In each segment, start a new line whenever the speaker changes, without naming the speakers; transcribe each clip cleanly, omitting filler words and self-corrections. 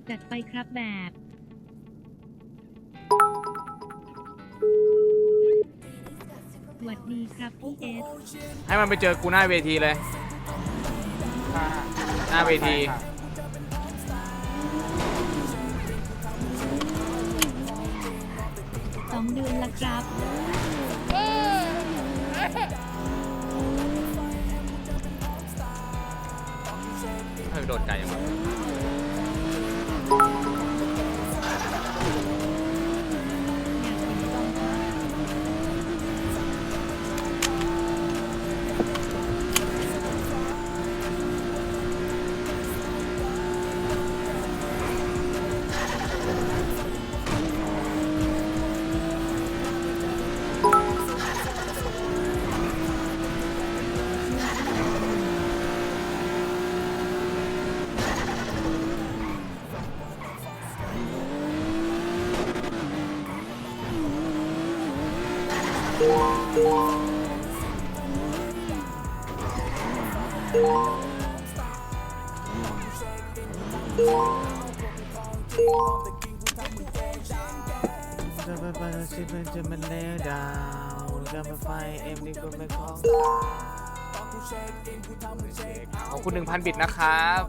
จัดไปครับแบบสวัสดีครับพี่เอส
ให้มันไปเจอกูหน้าเวทีเลย หน้าเวที
2 เดือนละครับ
ให้โดนไกลยังวะจะไปไปสิเป็นจะมันเลวดาวจะไปไฟเอ็มดีกว่าไม่ของขอบคุณ 1,000 บิตนะครับ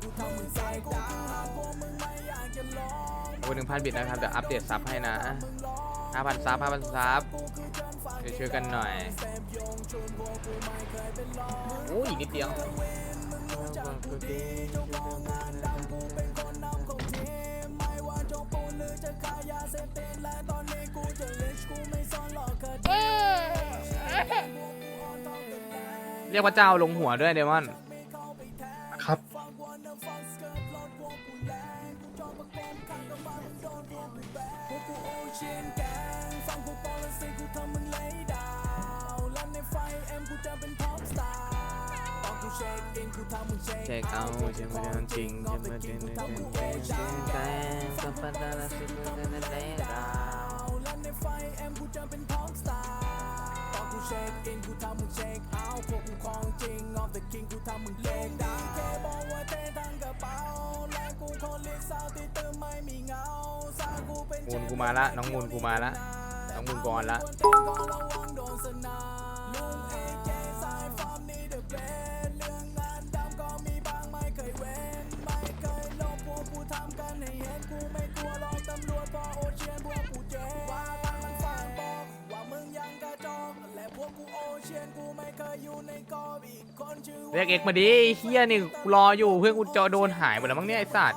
ขอบคุณ 1,000 บิตนะครับเดี๋ยวอัปเดตซับให้นะ 5,000 ซับ 5,000 ซับช่วยกันหน่อยโอ้ยอีกนิดเดียวเรียกว่าเจ้าลงหัวด้วยเดมอน
ครับ
เช็คเอาเช็คไม่ได้จริงเช็คไม่ได้จริงกับปัญหาสิ่งที่นั่นแหละมูลกูมาละน้องมูลกูมาละน้องมูลก่อนละเรียกเอ็กมาดิเฮียนี่กูรออยู่เพื่อนกูจะโดนหายหมดแล้วมั้งเนี่ยไอ้สัตว์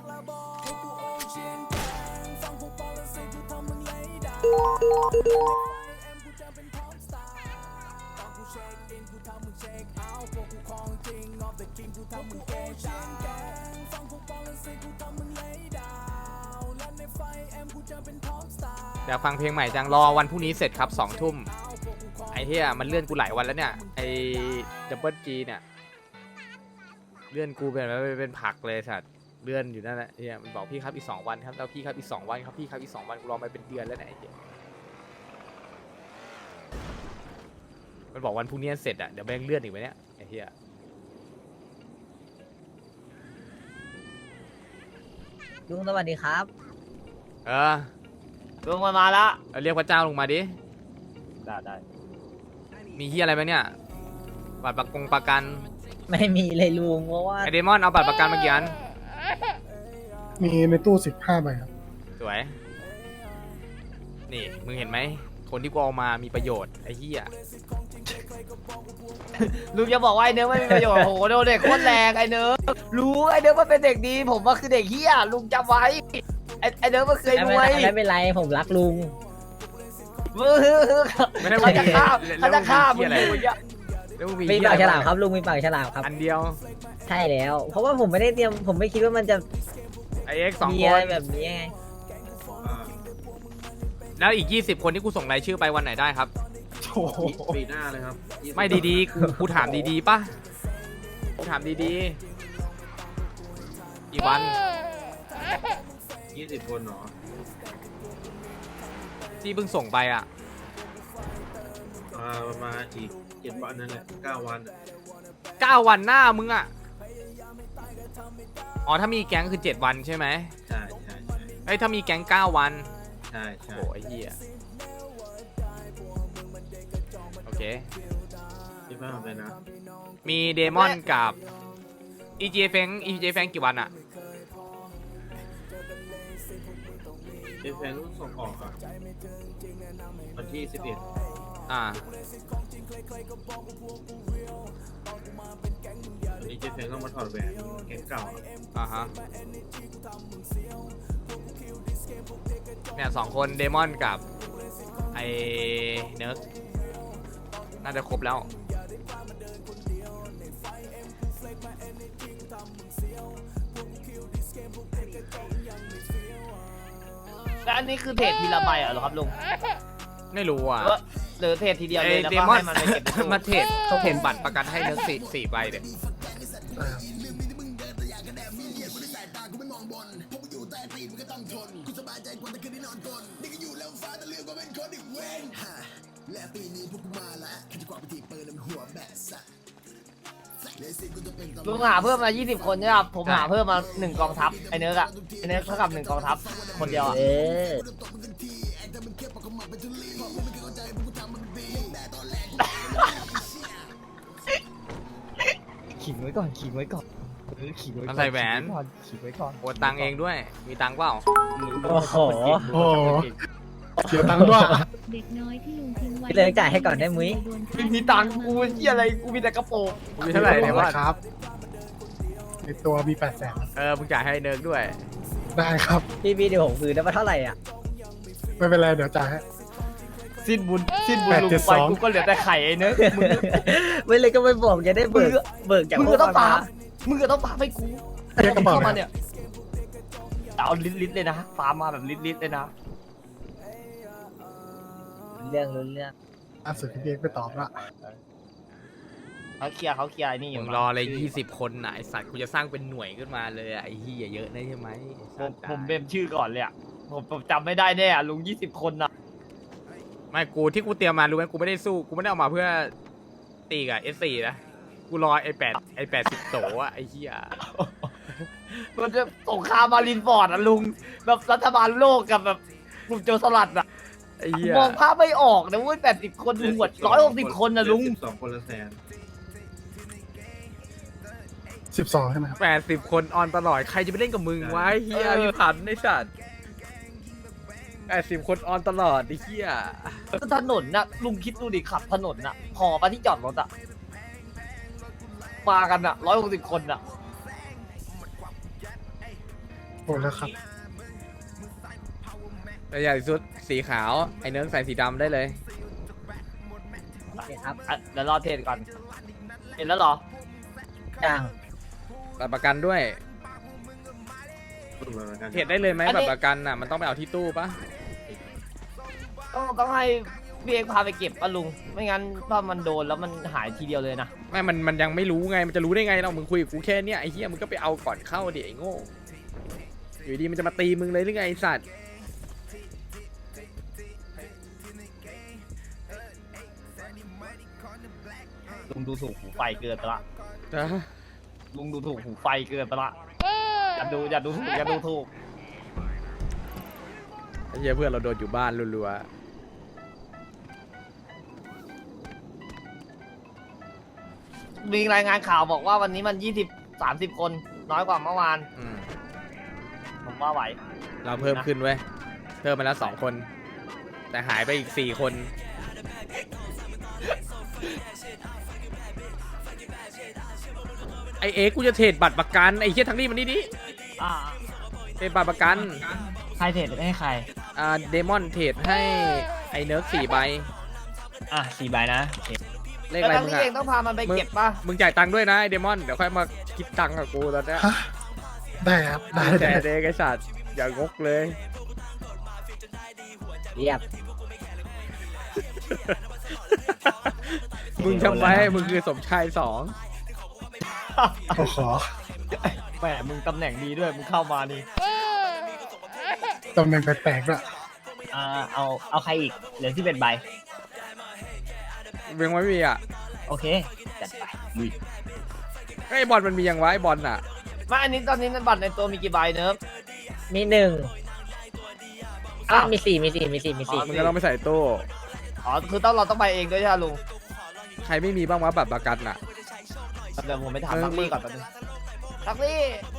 อยากฟังเพลงใหม่จังรอวันพรุ่งนี้เสร็จครับ2 ทุ่มไอ้เหี้ยมันเลื่อนกูหลายวันแล้วเนี่ยไอ้ดับเบิลจีเนี่ยเลื่อนกูเป็นผักเลยสัตว์เลื่อนอยู่นั่นแหละเหี้ยมันบอกพี่ครับอีก2 วันครับแล้วพี่ครับอีก2 วันครับพี่ครับอีก2 วันกูรอมาเป็นเดือนแล้วเนี่ยไอ้เหี้ยมันบอกวันพรุ่งนี้เสร็จอ่ะเดี๋ยวแม่งเลื่อนอีกไหมเนี่ยไอ้เหี้ย
ลุงสวัสดีครับ
เออ
ลุงมาละ
เรียกพระเจ้าลงมาดิ
ได้
มีเหี้ยอะไรไหมเนี่ยบัตรประกัน
ไม่มีเลยลุงเพราะว่า
ไอเดมอนเอาบัตรประกันมากี่อัน
มีในตู้15 ใบครับ
สวย นี่มึงเห็นไหม คนที่กูเอามามีประโยชน์ไอ้เหี้ย
ลุงจะบอกว่าไอ้เนื้อไม่มีประโยชน์โอ้โหโดนเด็กโคตรแรงไอ้เนื้อรู้ไอ้เนื้อมันเป็นเด็กดีผมว่าคือเด็กเฮียลุงจำไว้ไอ้เนื้อมันเคยรวยไม่เป็นไรผมรักลุง
ไม่ได้
เขาจะฆ่า
แล้
เขา
ว
จะฆ่า
มึ
มึ
ง
ง
เหี้ยอะไร
อยู่เนี่ย
แล้วมึง
มี
เหี้ย
ปาก
อะไร
ฉลามครับลุงมีปากฉลามครับ
อันเดียว
ใช่แล้ว เพราะว่าผมไม่ได้เตรียมผมไม่คิดว่ามันจะ
ไอเอ็กซ์2
มี
ค
อะไร
น
แบบนี้ไง
แล้วอีก20 คนที่กูส่งรายชื่อไปวันไหนได้ครับ
โอ้โห
ปีหน้าเลยครับ
ไม่ดีๆ กูถามดีๆป่ะ กูถามดีๆ อีกวัน
20 คนเหรอ
ที่เพิ่งส่งไปอ่ะ
ประมาณอีก7 วันนั่นแหละ9 วัน
9 วันหน้ามึงอ่ะอ๋อถ้ามีแก๊งคือ7 วันใช่ไหม
ใช่ใช่ใช่
เอ้ยถ้ามีแก๊ง9 วัน
ใช่ใช่
โอ้ยเหี้ยโอเค
ที่บ้านเลยนะ
มีเดมอนกับ EJ แฟงกี่วันอะ
เอฟเฟนส่งออกอ่ะวันที่ 11
อ่า
วันนี้เจฟเฟนต้องมาถอดแหวนแก๊งเก่าอะ
อ่าฮะเนี่ย2 คนเดมอนกับไอเนิร์กน่าจะครบแล้ว
แล้วอันนี้คือเทรดทีละใบเหรอครับลุง
ไม่รู้อ่ะ
หรือเทรดทีเดียว
ไอ
เลยแล้ว
เด
ก็
มอน
ให้มันไปเก็บในตู้
มาเทรดบัตรประกันให้เนิร์กสี่ใบเด็ด
ลุงหาเพิ่มมา20 คนใช่ไหมครับผมหาเพิ่มมา1 กองทัพไอเนื้ออะไอเนื้อเท่ากับ1 กองทัพคนเดียวอะ ขิงไว้ก่อนขิงไว้ก่อนขิงไว้ก่อน
มันใส่แหวน
ขิงไว้ก่อน
โอนตังค์เองด้วย มีตังค์เปล่า
โอ้โห
โอ้โหเสียตังค์ด้วย
เด็กน้อยที่ลุงทิ้งไว้
พี่เลิกจ่ายให้ก่อนได้มุ้ย
ไม่มีตังค์กูเหี้ยอะไรกูมีแต่กระโปรง
มีเท่าไหร่เดมอน
ครับ ในตัวมี800,000
มึงจ่ายให้เนิร์กด้วย
ได้ครับ
พี่เดี๋ยวผมคืนได้มาเท่าไหร่อ่ะ
ไม่เป็นไรเดี๋ยวจ่ายให้
สิ้นบุญลุงไป
872
กูก็เหลือแต่ไข่ไอ้เนื้อมึง
ไม่เลยก็ไม่บอกจะได้เบิกจาก
มึง
พว
ก็
ก
ต้อง
มา
ปามึงก็ต้องปาให้กู
เรียกกระเป๋า
เข้ามา
ไหม
เนี่ยเอาลิตรเลยนะปามาแบบลิตรเลยนะ
เรื่อง
ล่าสุดพี่เอกไปตอบละ
เขาเคลียร์ไอ้นี่อยู่
มึงรอเลย20 คนน่ะไอสัตว์กูจะสร้างเป็นหน่วยขึ้นมาเลยอะไอ้เหี้ยเยอะนะใช่ไหมไอ้สัตว์
ผมเบมชื่อก่อนเลยอ่ะผมจำไม่ได้แน่อะลุง20 คนนะ
ไม่กูที่กูเตรียมมารู้ไหมกูไม่ได้สู้กูไม่ได้เอามาเพื่อตีกับ S4 นะกูรอไอ้80 โตอะไอ้เหี้ย
มันจะสงครามมารินฟอร์ดอะลุงแบบรัฐบาลโลกกับแบบกลุ่มโจรสลัดอะ
ไอ้เหี้ย
มองภาพไม่ออกนะเว้ย80 คนลุงหมด160 คนนะลุง
12 คนละแสน
12ใช่ไหมครับ
80 คนออนตลอดใครจะไปเล่นกับมึงวะไอ้เหี้ยมีผันไอ้สัตว์80 คนออนตลอดไอ้เหี้ย
ถนนน่ะลุงคิดดูดิขับถนนน่ะพอปะที่จอดรถอะมากันอะ160 คนอะ
โอนแล้วครับ
แต่ใหญ่สุดสีขาวไอ้เนิร์กใส่สีดำได้เลย
ครับ
อ่ะเดี๋ยวรอเทรดก่อนเห็นแล้วเหรอ
จ้าง
บัตรประกันด้วย
รุ่นมาแล้วกัน
เทรดได้เลยไหมบัตรประกันน่ะมันต้องไปเอาที่ตู้ปะ
ต้องให้พี่เอกพาไปเก็บปะลุงไม่งั้นถ้ามันโดนแล้วมันหายทีเดียวเลยนะ
ไม่มันยังไม่รู้ไงมันจะรู้ได้ไงเรามึงคุยกับกูแค่เนี้ยไอ้เหี้ยมึงก็ไปเอาก่อนเข้าดิไอ้โง่อยู่ดีมันจะมาตีมึงเลยหรือไงไอ้สัตว์
ลุงดูถูกหูไฟเกินไปละ
นะ
ลุงดูถูกหูไฟเกินไปละอย่าดูถูก
ไอ้เหี้ยเพื่อนเราโดนอยู่บ้านรัว
มีรายงานข่าวบอกว่าวันนี้มัน20-30 คนน้อยกว่าเมื่อวาน
ๆอืม
ผมว่าไหว
เราเพิ่มขึ้นเว้ยเพิ่มมาแล้ว2 คน แต่หายไปอีก4 คนไอเอ็กซ์กูจะเทรดบัตรประกันไอ้เหี้ยทั้งนี้มันนี่ดิ
อ่า
เทรดบัตรประกัน
ใครเทรดให้ใคร
เดมอนเทรดให้ไอเนิร์ก4 ใบ
อ่ะ4 ใบนะ
เลข
แล้ว
อะไร
ทั้ง
มึง
นี้
อะ
เองต้องพามันไปเก็บป่ะ
มึงจ่ายตังค์ด้วยนะไอเดมอนเดี๋ยวค่อยมาคิดตังค์กับกูตอนเนี้ย
ฮะ ได้ครับ ได้
แต่
ได้
เด็กไอสัตว์อย่างงกเลย
เรียบ
มึงทำไมมึงคือสมชาย2
โอ้โห
แหมมึงตำแหน่งดีด้วยมึงเข้ามานี่
ตำแหน่งแปลกๆด้วย
เอาใครอีกเหลือ11 ใบ
เวียงไว้มีอ่ะ
โอเค จัดไปลุย
ไอบอลมันมียังไวะไอบอลอ่ะ
ไม่อันนี้ตอนนี้บัตรในตัวมีกี่ใบเนิร์ฟ
มีหนึ่ง
อ้าว
มีสี่
มึงก็ต้องไปใส่ตู้
อ๋อคือเราต้องไปเองด้วยใช่ไหมลุง
ใครไม่มีบ้างวะบัตรประกันอ่ะ
เดี๋ยวผมไปถามทักลี่ก่อนแป๊บนึงทักลี่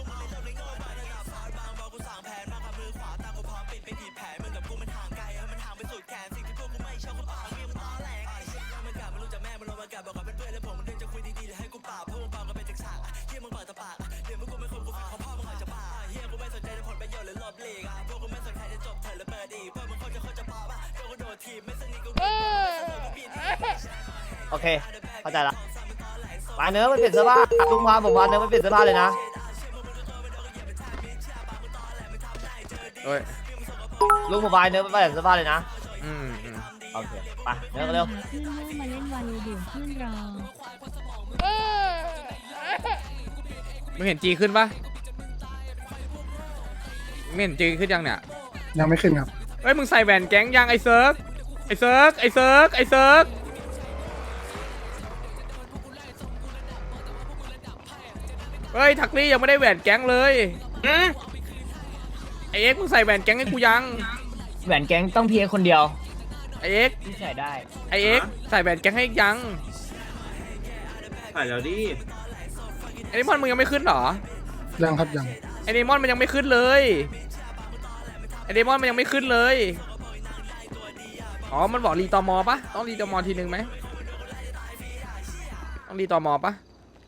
โอเค เข้าใจละมาเนื้อไม่เปลี่ยนเสื้อผ้าลุงพาผมมาเนื้อไม่เปลี่ยนเสื้อผ้าเลยนะ
เอ้ย
ลุงผมพาเนื้อไม่เปลี่ยนเสื้อผ้าเลยนะ
อืม
โอเค ไปเนื้อกันเร็ว
ขึ้นลูกมาเล่นวาโลเดี๋ยวขึ้นรอ
มึงเห็นจีขึ้นปะมึงเห็นจีขึ้นยังเนี่ย
ยังไม่ขึ้นครับ
เฮ้ยมึงใส่แหวนแก๊งยังไอ้เซิร์กเฮ้ยทักลี่ยังไม่ได้แหวนแก๊งเลยไอเอ็กซ์มึงใส่แหวนแก๊งให้กูยัง
แหวนแก๊งต้องเพียคนเดียว
ไอเอ็กซ์
ที่ใส่ได้
ไอเอ็กซ์ใส่แหวนแก๊งให้ยัง
ถ่ายแล้วดิ
ไอนิมอนมึงยังไม่ขึ้นเหรอ
ยังครับยัง
ไอนิมอนมันยังไม่ขึ้นเลยอ๋อมันบอกรีตอมอปะต้องรีตอมอทีนึงไหมต้องรีตอมอปะ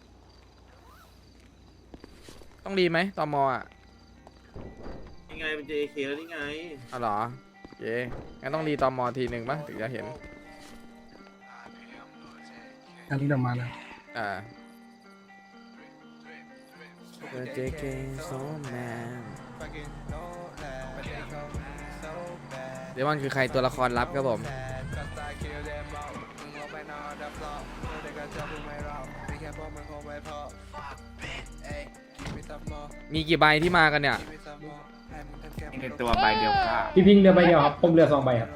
ต้องรีไหมตอมอ่ะ
ยังไงมัน JK แล้วนี่ไง
อ๋อเหรอเย้งั้นต้องรีตอมอทีหนึ่งปะถึงจะเห็น
อันนี้เดี๋ยวมาแล้ว
อ่า JK so man เดมอนคือใครตัวละครลับครับผม มีกี่ใบที่มากันเนี่ย
ในตัวใบเดียวค่ะ
พี่พิงเรือใบเดียวครับผมเรือ2 ใบครับ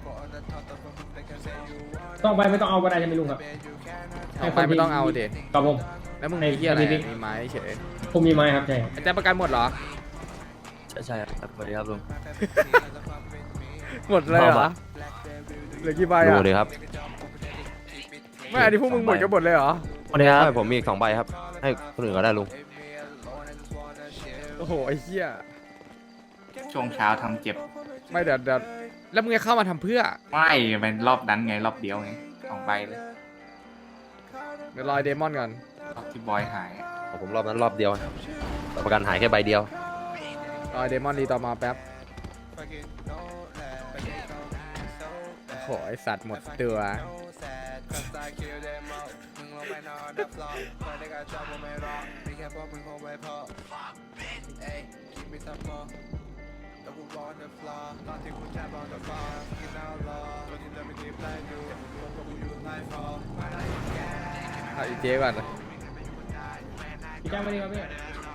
2 ใบไม่ต้องเอาก็ได้ใช่ไหมลุงครับ
เอาไปไม่ต้องเอาเด็
ครับผม
แล้วมึงมีที่อะไร
ให้พี่
มีไม้เฉย
ผมมีไม้ครับใช่ครับ
ไอ้แจ๊คประกันหมดเหรอ
ใช่ครับสวัสดีครับลุง
หมดเลยเหรอเหลือกี่ใบอ่ะ
ดูเลยครับ
ไม่อันนี้พวกมึงหมดกันหมดเลยเหรอ
วันนี้ครับผมมีอีก2 ใบครับ ให้คนอื่นก็ได้ลุง
โอ้โหไอ้เหี้ย
ช่วงเช้าทำเจ็บ
ไม่เดี๋ยวแล้วมึงจะเข้ามาทำเพื่อ
ไม่เป็นรอบนั้นไงรอบเดียวไง2 ใบเลย
เดี๋ยวรอยเดมอนก่อน
รอบที่บอยหาย
ผมรอบนั้นรอบเดียวประกันหายแค่ใบเดียว
รอยเดมอนรีต่อมาแป๊บโอ้โหไอสัตว์หมดตัวเอาอีเจ๊ก่อน
พี่แจ้งมาดีครับพี่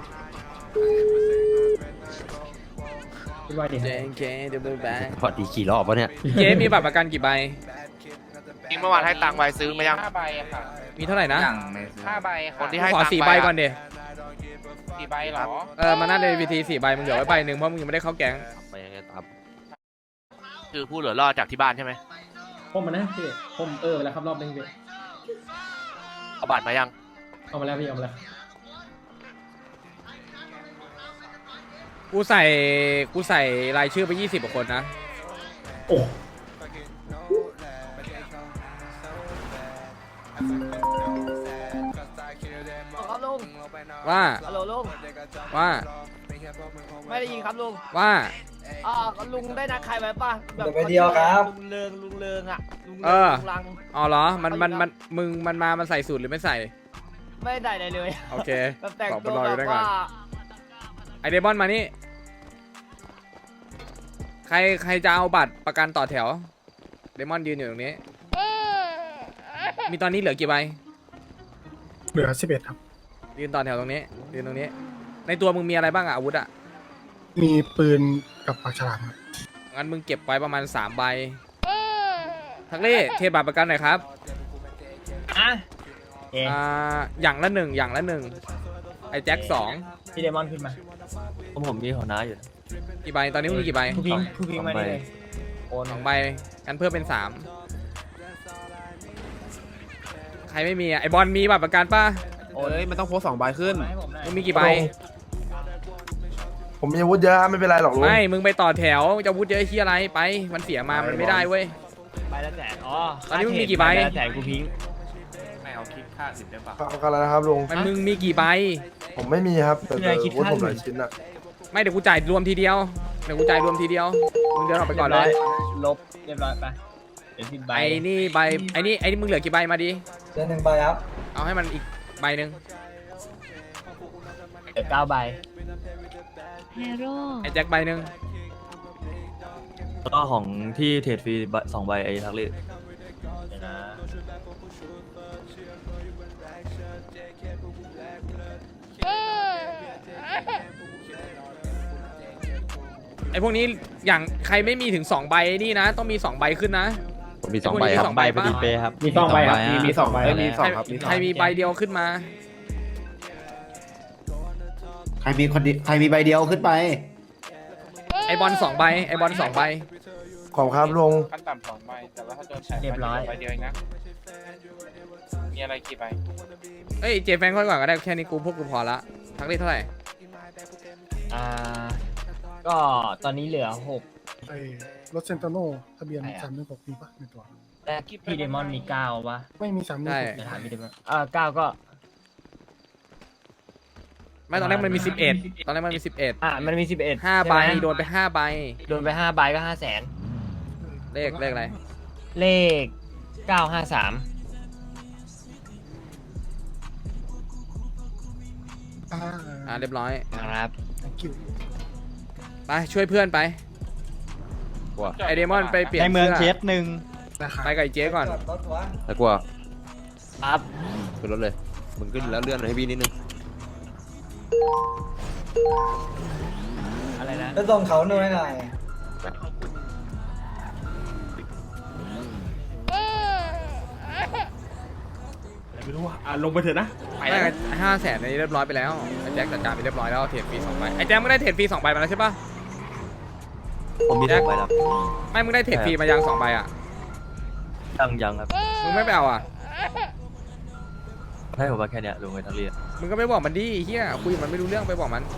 พี่วายดี
เจ๊เจ๊เดบิวต์แบง
พอดีกี่รอบวะเนี่ย
เจ๊มีบัตรประกันกี่ใบ
เมื่อวานให้ตังค์ไปซื้อมายัง5 ใบค่ะ
มีเท่าไหร่นะ
อย่างในซื้อ
5 ใบค่ะ
คนที่ให้ขอ4 ใบก่อนเด
4 ใบเหรอ
มาหน้าในวีที4 ใบมึงเหลือไว้ใบหนึ่งเพราะมึงยังไม่ได้เข้าแก๊ง
ไปยังไงตาม
คือผู้เหลือรอดจากที่บ้านใช่ไหม
ผมมานะพี่ผมไปแล้วครับรอบนึงพี่
เอาบัตรมายัง
เอามาแล้วพี่เอามาแล้ว
กูใส่รายชื่อไป20 กว่าคนนะ
โอ้
ครับลุง
ว่า
ฮัลโหลลุง
ว่า
ไม่ได้ยินครับลุง
ว่า
ลุงได้นัดใครไว้ป่ะแบบ
ไปเดียวครับ
ลุงเริงอ่ะลุง
เอ
เริง
อ
ลุงลัง
อ๋อเหรอมันใส่สูตรหรือไม่ใส่
ไม่ได้อะไรเลย
โอเค
แบบแต่ง
บอก
ตัว
รออยู่
แบ
ได้
บ
ก่อน
ว่า
ไอเดมอนมานี่ใครจะเอาบัตรประกันต่อแถวเดมอนยืนอยู่ตรงนี้ มีตอนนี้เหลือกี่ใบ
เหลือ11ครับ
ยืนต่อแถวตรงนี้ยืนตรงนี้ ในตัวมึงมีอะไรบ้างอะอาวุธอะ
มีปืนกับปากฉลามครับ
งั้นมึงเก็บไว้ประมาณ3 ใบทักเล่เทบัตรประกันหน่อยครับ
อ่ะ
อย่างละหนึ่งไอ้แจ็ค2
พี่เดมอนขึ้นมา
ผมมีหัวหน้าอยู่
กี่ใบตอนนี้มึงมีกี่ใบ
ผู้พิงมานี่เลยโอน
2 ใบกันเพิ่มเป็น 3 ใครไม่มีอะไอบอลมีบัตรประกันป่ะ
โอนมันต้องโพส2ใบขึ้นให้ผมหน่อย
มึงมีกี่ใบ
ผมมีอาวุธเยอะไม่เป็นไรหรอกลุง
ไม่มึงไปต่อแถวจะวุฒิเยอะที่อะไรไปมันเสียมามันไม่ได้เว้ย
ใบละแสนอ๋อ
ตอนนี้มึงมีกี่ใบ
ละแสนกูพิง
ไม่เอาคิดค่าอื่นได้ปะ
เอากันแล้วนะครับลุง
มันมึงมีกี่ใบ
ผมไม่มีครับแต่อาวุธผมหลายชิ้นอะ
ไม่เดี๋ยวกูจ่ายรวมทีเดียวมึงเดินออกไปก่อนเลย
ลบเรียบร้อยไปเดี๋ยว10ใบ
ไอ้นี่ใบไอ้นี่มึงเหลือกี่ใบมาดิ
เดือน1ใบครับ
เอาให้มันอีกใบหนึ่ง
เดี๋ยว9ใบ
แฮโร่
ไอ้แจ็คใบหนึ่ง
แล้วก็ของที่เทรดฟรี2ใบไอ้ทักลี่
เดี๋ยวนะ
ไอ้พวกนี้อย่างใครไม่มีถึง2ใบนี่นะต้องมี2ใบขึ้นนะ
ผมมี2ใบครับ
สองใบพอดีเป๊ะ
ครับ
มี2ใบครับมี2ใบ
มีสองครับ
ใครมีใบเดียวขึ้นมา
ใครมีใบเดียวขึ้นไป
ไอบอล2ใบไอบอล2ใบ
ขอบครับลุง
ขั้นต่ำ2ใบแต่ว่าถ้าโดนแฉ
เรียบร้อย
ใบเดียวเองนะมีอะไรกี่ใบ
เอ้ยเจแฟงค่อยก่อนก็ได้แค่นี้พวกกูพอละทักได้เท่าไหร่
ก็ตอนนี้เหลือ6
ไอ้รถเซนโตโน่ทะเบียน316ปีป่ะในตัว
แต่พี่เดมอนมี9ปะ
ไม่มี316
ใช่
เดี๋ยวถามพี่เดมอน9ก็
ไม่ตอนแรกมันมี11ตอนแรกมันมี11
มันมี11
5ใบ
ช่ไหม
โดนไป5ใบ
โดนไป5ใบก็500,000
เลขอะไร
เลข 953
เรียบร้อย
ครับ
thank you
ไปช่วยเพื่อนไปไอเดมอนไปเปลี่ยน
ในเมือง
สื้
เคสหนึ่ง
นะครับ
ไปกับไอ้เจ๊ก่อน
แล้วกลัว
ครับ
ขึ้นรถเลยมึงขึ้นแล้วเลื่อนให้พี่นิดนึง
อะไรนะ
จะส่งเขาหน่อยหน่อย
ไม่รู้ว่าลงไปเถอะนะ
ไม่500,000ในนี้เรียบร้อยไปแล้วไอ้แจ็คจัดการไปเรียบร้อยแล้วเทรดฟรี2ใบไอ้แจ็คมึงได้เทรดฟรี2ใบมาแล้วใช่ปะ
ผมมี
แจ็ค
2ใบแล้ว
ไม่มึงได้เทรดฟรีมายัง2ใบอ่ะ
ยังครับ
มึงไม่ไปเอาอ่ะ
ให้ผมมาแค่เนี้ยลุงไอ้ทักลี่
มึงก็ไม่บอกมันดิเฮียคุยกับมันไม่รู้เรื่องไปบอกมัน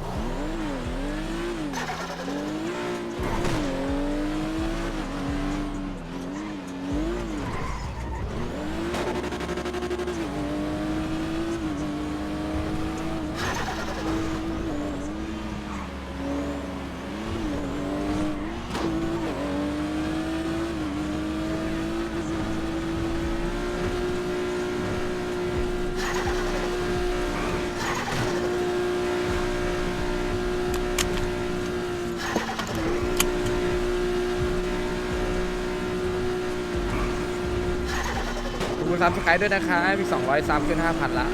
ขอบคุณซับสไครต์ด้วยนะคะมี200ซับขึ้น 5,000 ละ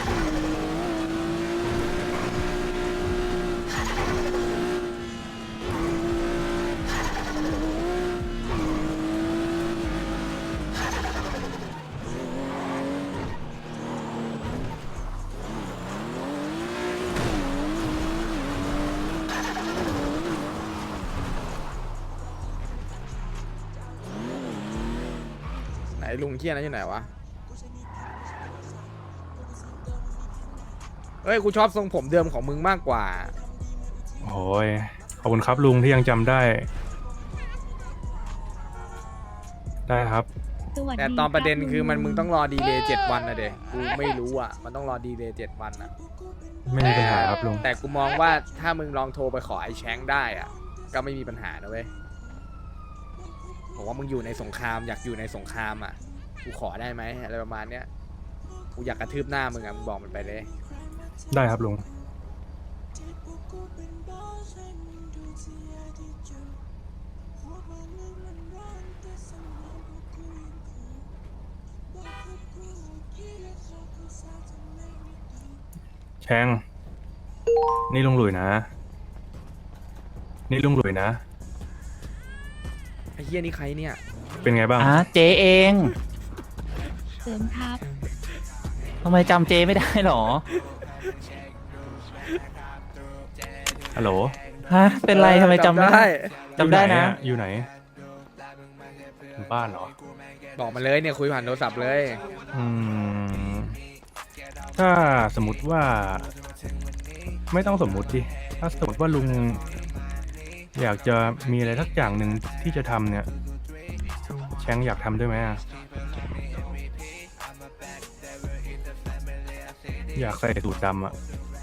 ไหนลุงเคียนั้นอยู่ไหนวะเฮ้ยกูชอบทรงผมเดิมของมึงมากกว่า
โอ้ยขอบคุณครับลุงที่ยังจำได้ ได้ครับ
สวัสดี
แต่ตอนประเด็น
รับ
คือมัน
ลุ
มึงต้องรอดีเลย์7 วันนะเด็กกูไม่รู้อ่ะมันต้องรอดีเลย์7 วันอ่ะ
ไม่มีปัญหาครับลุง
แต่กูมองว่าถ้ามึงลองโทรไปขอไอ้แชงได้อ่ะก็ไม่มีปัญหานะเว้ยบอกว่ามึงอยู่ในสงครามอยากอยู่ในสงครามอ่ะกูขอได้ไหมอะไรประมาณเนี้ยกูอยากกระทืบหน้ามึงอ่ะมึงบอกมันไปเลย
ได้ครับลุง แชงนี่ลุงหลุยนะ นี่ลุงหลุยนะ
ไอ้เหี้ยนี่ใครเนี่ย
เป็นไงบ้าง
เจเอง
เสริมทัพ
ทำไมจำเจไม่ได้หรอ
ฮัลโหล
ฮะ เป็นไรทำไมจำได้จำได้นะ
อยู่ไหนอยู่บ้านเหรอ
บอกมาเลยเนี่ยคุยผ่านโทรศัพท์เลย
อืม ถ้าสมมติว่า ไม่ต้องสมมุติดิถ้าสมมติว่าลุง อยากจะมีอะไรสักอย่างหนึ่งที่จะทำเนี่ย แชงอยากทำด้วยไหมอะอยากใส่สูทดำอะ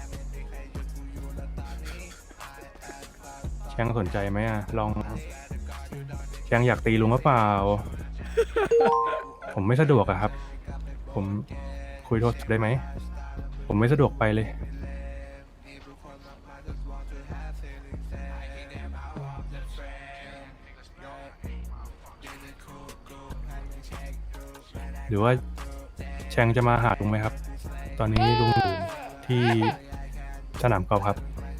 แชงสนใจไหมอะลอง แชงอยากตีลุงหรือเปล่า ผมไม่สะดวกอะครับ ผมคุยโทรศัพท์ได้ไหม ผมไม่สะดวกไปเลย หรือว่าแชงจะมาหาลุงไหมครับ ตอนนี้ลุงอยู่ที่สนามกอล์ฟครับ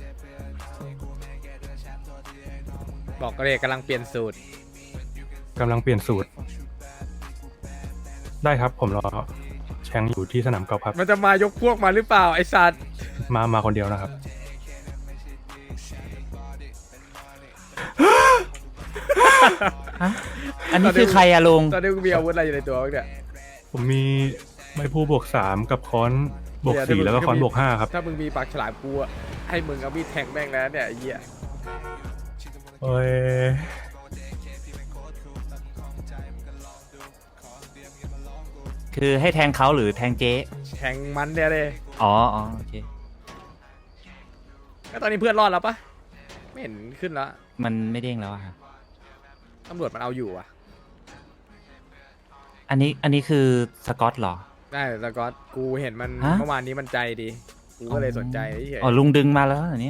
บอกก็เลยกำลังเปลี่ยนสูตร
กำลังเปลี่ยนสูตร ได้ครับ ผมรอแชงอยู่ที่สนามกอล์ฟครับ
มันจะมายกพวกมาหรือเปล่าไอ้สัตว์
มาคนเดียวนะครับ
อันนี้คือใครอะลุง
ตอนนี้กูมีอาวุธอะไรอยู่ในตัวบ้างเนี่ย
ผมมีไม้พูบวก3กับค้อนบวก4แล้วก็ค้อนบวก5ครับ
ถ้ามึงมีปากฉลามกูอะให้มึงเอามีดแทงแม่งแล้วเนี่ยไอ้เหี้ย
โอ้ย
คือให้แทงเขาหรือแทงเจ๊
แทงมันเนี่ยเลย
อ๋อโอเค
แล้วตอนนี้เพื่อนรอดแล้วปะไม่เห็นขึ้นแล้ว
มันไม่เด้งแล้วอะครับ
ตำรวจมันเอาอยู่อะ
อันนี้คือสกอตเหรอ
ได้แต่ก็กูเห็นมัน
ฮะ
เมื่อวานนี้มันใจดีกูก็เลยสนใจเฉย
อ๋อลุงดึงมาแล้วเหรอเนี่ย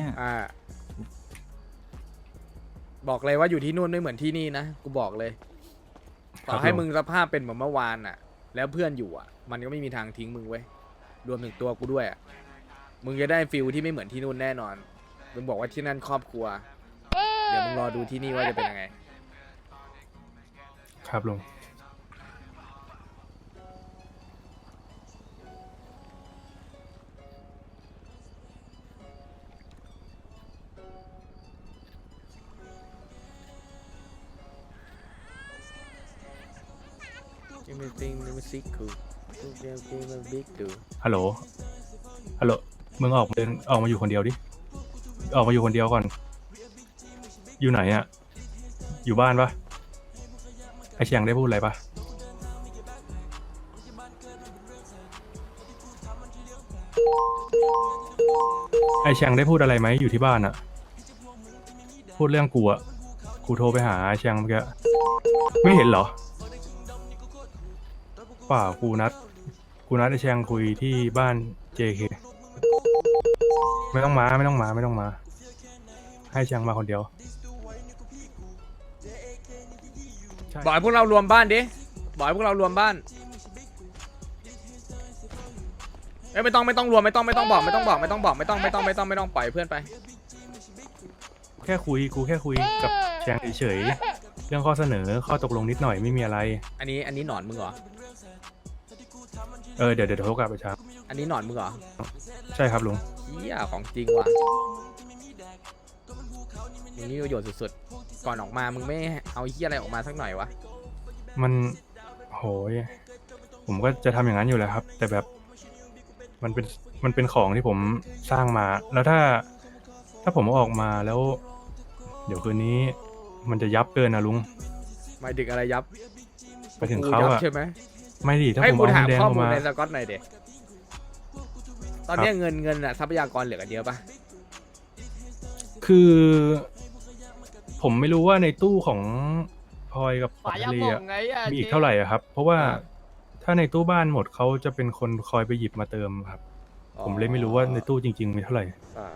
บอกเลยว่าอยู่ที่นู่นไม่เหมือนที่นี่นะกูบอกเลยต่อให้มึงสภาพเป็นเหมือนเมื่อวานอะแล้วเพื่อนอยู่อะมันก็ไม่มีทางทิ้งมึงเว้ยรวมถึงตัวกูด้วยอะมึงจะได้ฟิลที่ไม่เหมือนที่นู่นแน่นอนมึงบอกว่าที่นั่นครอบครัวเดี๋ยวมึงรอดูที่นี่ว่าจะเป็นยังไง
ครับลุง ฮัลโหล ฮัลโหล มึงออกมาอยู่คนเดียวดิ ออกมาอยู่คนเดียวก่อน อยู่ไหนอะอยู่บ้านปะไอเชียงได้พูดอะไรปะไอเชียงได้พูดอะไรไหมอยู่ที่บ้านอะพูดเรื่องกูอะกูโทรไปหาไอเชียงเมื่อกี้ไม่เห็นเหรอเปล่ากูนัดไอเชียงคุยที่บ้าน JK ไม่ต้องมา ให้เชียงมาคนเดียว
บอกให้พวกเรารวมบ้านดิบอกให้พวกเรารวมบ้านไม่ต้องรวมไม่ต้องบอกไม่ต้องปล่อยเพื่อนไป
กูแค่คุยกับแชงเฉยๆเรื่องข้อเสนอข้อตกลงนิดหน่อยไม่มีอะไร
อันนี้หนอนมึงเหรอ
เดี๋ยวโทรกลับไปช้า
อันนี้หนอนมึงเหรอ
ใช่ครับลุง
เหี้ยของจริงว่ะมึงนี่ประโยชน์สุดๆก่อนออกมามึงไม่เอาเหี้ยอะไรออกมาสักหน่อยวะ
มันโหยผมก็จะทำอย่างนั้นอยู่แล้วครับ แต่แบบมันเป็นของที่ผมสร้างมา แล้วถ้าผมเอาออกมาแล้ว เดี๋ยวคืนนี้มันจะยับเกินนะลุง
หมายถึงอะไรยับ
ไปถึงเขา
ยับ
อะ
ใช่ไหม
ไม่ดิถ้า
ให้
ผม
กู
เอา
ถาม
เงินแดง
ข้อ
ออก
มูล
มา
ในสกอตหน่อยเด็ตอนเนี้ยเงินอะทรัพยากรเหลือกันเยอะปะ
คือผมไม่รู้ว่าในตู้ของพลอยกับ
ฝายา
ทะเล
หม่อง
อะ
ไงอะ
มีอีกเท่าไหร่อะครับ เพราะว่าถ้าในตู้บ้านหมดเขาจะเป็นคนคอยไปหยิบมาเติมครับ ผมเลยไม่รู้ว่าในตู้จริงๆมีเท่าไหร่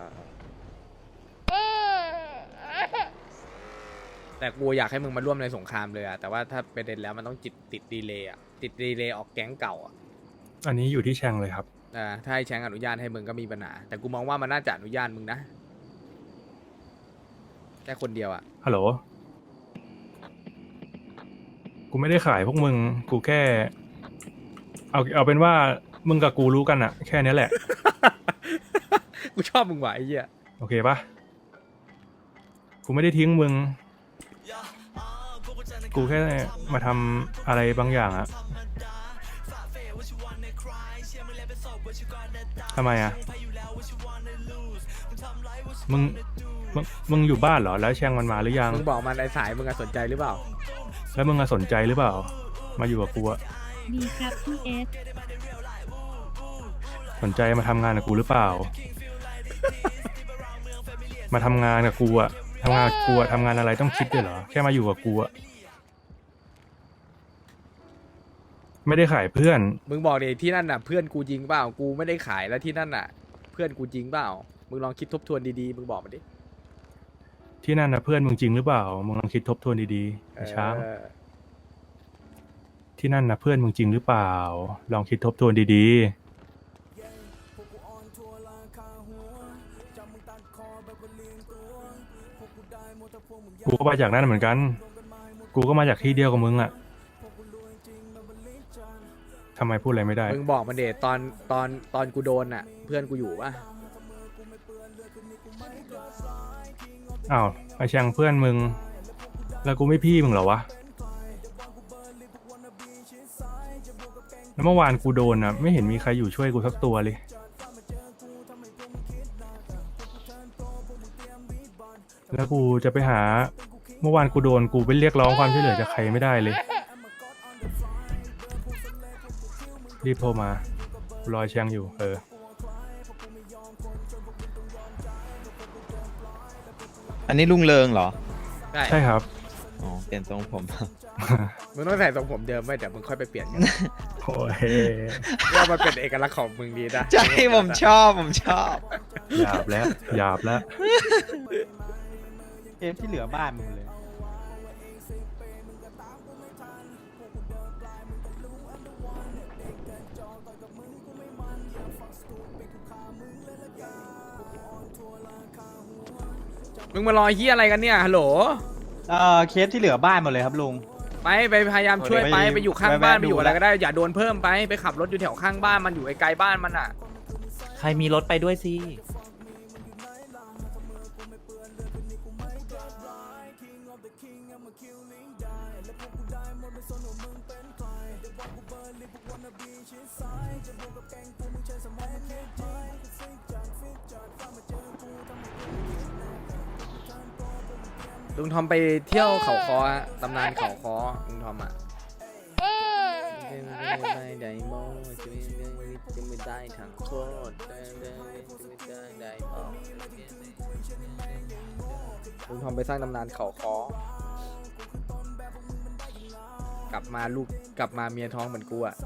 แต่กูอยากให้มึงมาร่วมในสงครามเลยอะแต่ว่าถ้าประเด็นแล้วมันต้องติดดีเลย์อะติดดีเลย์ออกแก๊งเก่าอะ
อันนี้อยู่ที่แชงเลยครับ
ถ้าให้แชงอนุญาตให้มึงก็มีปัญหาแต่กูมองว่ามันน่าจะอนุญาตมึงนะแค่คนเดียวอะ
ฮัลโหล กูไม่ได้ขายพวกมึง กูแค่ เอาเป็นว่ามึงกับกูรู้กันอะแค่นี้แหละ
กูชอบมึงว่ะไอ้เหี้ย
โอเคปะไม่ได้ทิ้งมึง กูแค่มาทำอะไรบางอย่างอะทำไมอะมึงอยู่บ้านเหรอแล้วแชงมันมาหรือยัง
มึงบอกมันไอ้สายมึงอะสนใจหรือเปล่า
แล้วมึงอะสนใจหรือเปล่ามาอยู่กับกูอะ
ดีครับพี่เอส
สนใจมาทำงานกับกูหรือเปล่า มาทำงานกับกูอะทำงานกับกูอะทำงานอะไรต้องคิดด้วยเหรอแค่มาอยู่กับกูอะไม่ได้ขายเพื่อน
มึงบอกดิที่นั่นน่ะเพื่อนกูจริงเปล่ากูไม่ได้ขายแล้วที่นั่นน่ะ เพื่อนกูจริงเปล่ามึงลองคิดทบทวนดีๆมึงบอกมาดิ
ที่นั่นนะเพื่อนมึงจริงหรือเปล่ามึงลองคิดทบทวนดีๆไอ้ช้าง ที่นั่นนะเพื่อนมึงจริงหรือเปล่าลองคิดทบทวนดีๆกูก็มาจากนั่นเหมือนกันกูก็มาจากที่เดียวกับมึงอะทำไมพูดอะไรไม่ได้
มึงบอกมันเดตอนกูโดนน่ะ เพื่อนกูอยู่ปะ
อ้าวไอแชงเพื่อนมึงแล้วกูไม่พี่มึงเหรอวะแล้วเมื่อวานกูโดนอ่ะไม่เห็นมีใครอยู่ช่วยกูสักตัวเลยแล้วกูจะไปหาเมื่อวานกูโดนกูไปเรียกร้องความช่วยเหลือจากใครไม่ได้เลยรีบโทรมารอแชงอยู่
อันนี้ลุงเริงเหรอ
ใช่ครับ
อ๋อเปลี่ยนทรงผม
มึงต้องใส่ทรงผมเดิมไว้เดี๋ยวมึงค่อยไปเปลี่ยนกัน
โอ้ย
ว่ามันเป็นเอกลักษณ์ของมึงดีนะ
ใช่ผมชอบ
หยาบแล้ว
เกมที่เหลือบ้านมึงเลย
มึงมารอเฮียอะไรกันเนี่ยฮัลโหล
เคสที่เหลือบ้านหมดเลยครับลุง
ไปพยายามช่วยไปอยู่ข้างบ้านไปอยู่อะไรก็ได้อย่าโดนเพิ่มไปขับรถอยู่แถวข้างบ้านมันอยู่ไกลๆบ้านมันอ่ะ
ใครมีรถไปด้วยสิ
ลุงทอมไปเที่ยวเขาคอตำนานเขาคอลุงทอมอ่ะลุงทอมไปสร้างตำนานเขาคอกลับมาเมียท้องเหมือนกูอ่ะ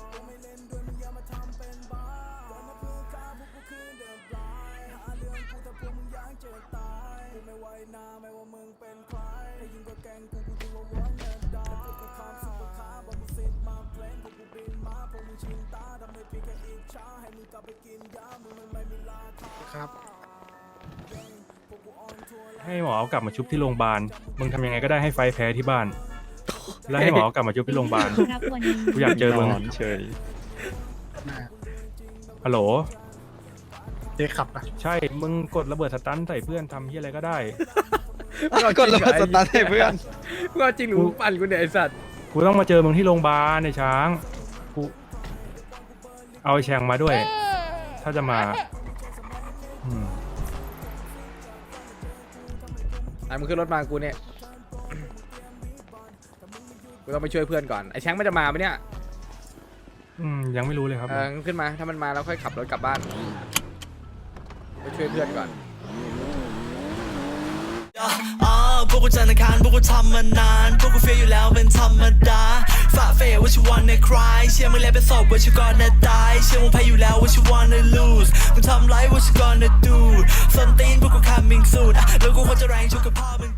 ครับ
ให้หมอเอากลับมาชุบที่โรงพยาบาลมึงทำยังไงก็ได้ให้ไฟแพ้ที่บ้านแล้วให้หมอเอากลับมาชุบที่โรงพยาบาล
ครับวันนี้
กูอยากเจอมึง
เฉย
ฮัลโหล
เด็กขับนะ
ใช่มึงกดระเบิดสตันใส่เพื่อนทำที่อะไรก็ได้
กดระเบิดสตาร์ทให้เพื่อน
กูเอาจริงหรือมึงปั่นกูเนี่ยไอสัตว์
กูต้องมาเจอมึงที่โรงพยาบาลในช้างกูเอาไอ้แชงมาด้วย ถ้าจะมา
มึงขึ้นรถมากูเนี่ยกูต้องไปช่วยเพื่อนก่อนไอ้แชงมันจะมาปะเนี่ย
ยังไม่รู้เลยครับ
ขึ้นมาถ้ามันมาแล้วค่อยขับรถกลับบ้านไปช่วยเพื่อนก่อน
พวกกูจันทร์อังคารพวกกูทำมานานพวกกูเฟียอยู่แล้วเป็นธรรมดาฝ่าเฟยว่าชิวันในคลายเชื่อมึงแล้วเป็นศพว่าชิวก่อนจะตายเชื่อมึงแพ้อยู่แล้วว่าชิวันใน lose มึงทำไรว่าชิวก่อนจะ do ส้นตีนพวกกู coming soon แล้วกูควรจะแรงชุกกับพ่อมึง